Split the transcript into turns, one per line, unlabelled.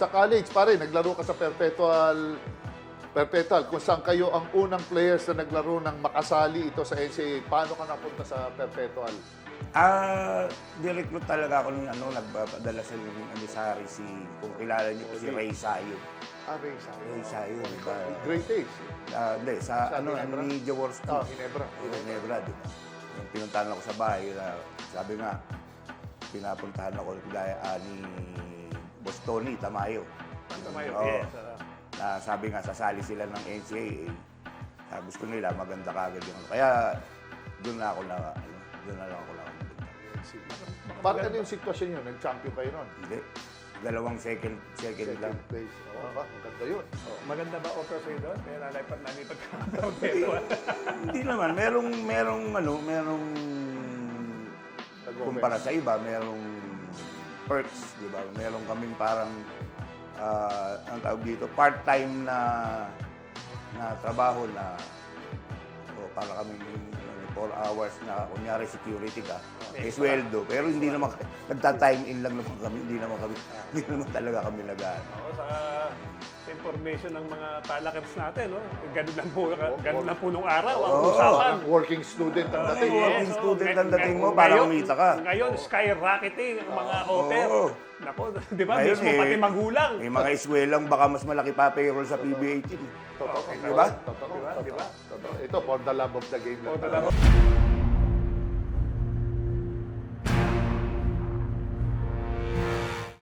sa college, pare, naglaro ka sa Perpetual, kung saan kayo ang unang players na naglaro ng makasali ito sa NCAA. Paano ka napunta sa Perpetual?
Di-recruit talaga ako nung nagpapadala sa Amisari kung kilala niyo po si Ray Sayo.
Ray Sayo.
Ray Sayo, di ba?
Great days.
Hindi, sa
Ginebra?
ni Jaworski.
Ginebra.
Ginebra, di ba? Yung pinuntahan ako sa bahay, sabi nga, pinapuntahan ako ni Boss Tony Tamayo.
Tamayo,
Oo.
yes.
Sabi nga, sasali sila ng NCAA. Gusto nila, maganda kagad yung Kaya, doon na lang ako na.
Bakit ano yung sitwasyon yun? Nag-champion kayo nun?
Hindi. Dalawang second lang.
place. Oo, maganda yun.
Maganda ba offer sa'yo doon? Kaya nalipad pagkakataon.
Hindi naman. Merong kumpara sa iba, merong perks, di ba? Meron kaming parang, ang tawag dito, part-time na trabaho na para kaming 4 hours na kunyari security ka, sweldo. Pero hindi naman, nagta-time in lang naman kami, hindi naman talaga kami nag-ano.
Oo, sa information ng mga talakers natin, no? Ganun lang po nung araw ang
Oo.
usapan.
Working student ang dating.
Working student ang dating mo,
Ngayon-
para kumita ka.
Ngayon, skyrocketing ang mga offer.
Oo.
Nako, di ba?
Ngayon,
Mismo pati magulang.
May mga eswelang baka mas malaki pa payroll sa PBA team.
Totoo.
Di ba?
Totoo.
Di ba?
Totoo. Ito, for the love of the game lang.
O, talaga.